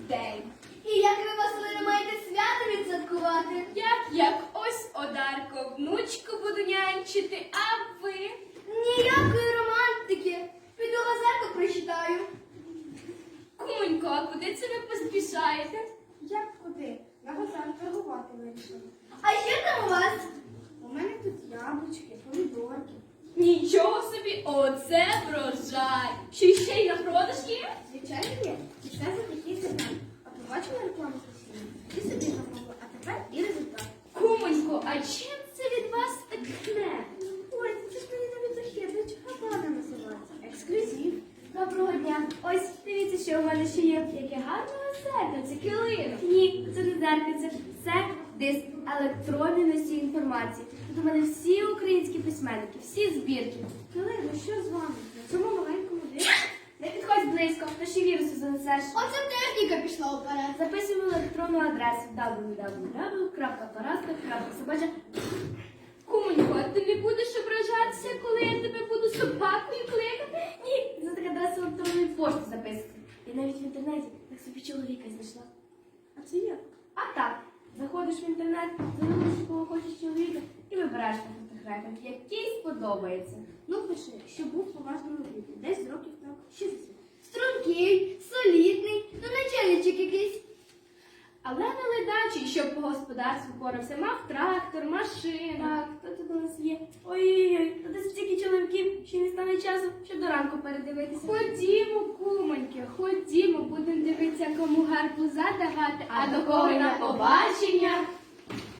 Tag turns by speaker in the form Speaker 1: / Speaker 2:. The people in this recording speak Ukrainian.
Speaker 1: день.
Speaker 2: І як ви, Василине, маєте свято відсвяткувати?
Speaker 1: Як ось Одарко, внучку буду нянчити, а ви?
Speaker 2: Ніякої романтики. Піду газету прочитаю.
Speaker 1: Кумонько, а куди це ви поспішаєте?
Speaker 3: Як куди? На базар торгувати вирішила.
Speaker 2: А що там у вас?
Speaker 3: У мене тут яблучки, помідорки.
Speaker 1: Нічого собі, оце врожай. Чи ще й на продаж є?
Speaker 3: Звичайно є. І все за такий сезон. А побачила рекламу постійно? Ти собі замовила, а тепер і результат.
Speaker 1: Кумонько, а чим це від вас так тхне?
Speaker 3: Ой, це ж мені навіть західнич Габана називається. Ексклюзив.
Speaker 2: Доброго дня. Ось, дивіться, що у мене ще є.
Speaker 1: Яке гарне зеркальце, килино.
Speaker 2: Ні, це не зеркальце. Це диск електронний носій інформації. Тут у мене всі українські письменники, всі збірки.
Speaker 3: Килино, що з вами? На цьому маленькому диску?
Speaker 2: Не підходь близько, то ще віруси занесеш.
Speaker 4: Оце техніка пішла вперед.
Speaker 2: Записуємо електронну адресу www.paraska.собача.
Speaker 1: Кумонько, а ти не будеш ображатися, коли я тебе буду собакою кликати?
Speaker 2: Ні, це така адреса електронної пошти записувати. І навіть в інтернеті так собі чоловіка знайшла.
Speaker 3: А це як?
Speaker 2: А так, заходиш в інтернет, заносиш кого хочеш чоловіка і вибираєш на фотографіях, який сподобається.
Speaker 3: Ну, пиши, що був в поважному віці. Десь років так 60.
Speaker 2: Стрункий, солідний, ну начальничок якийсь. Але не ледачий, щоб по господарству порався. Мав трактор, машину. Так, хто тут у нас є? Ой-ой-ой, то десь стільки чоловіків, що не стане часу, щоб до ранку передивитися.
Speaker 1: Ходімо, кумоньки, ходімо, будемо дивитися, кому гарбуза давати, а до кого на побачення.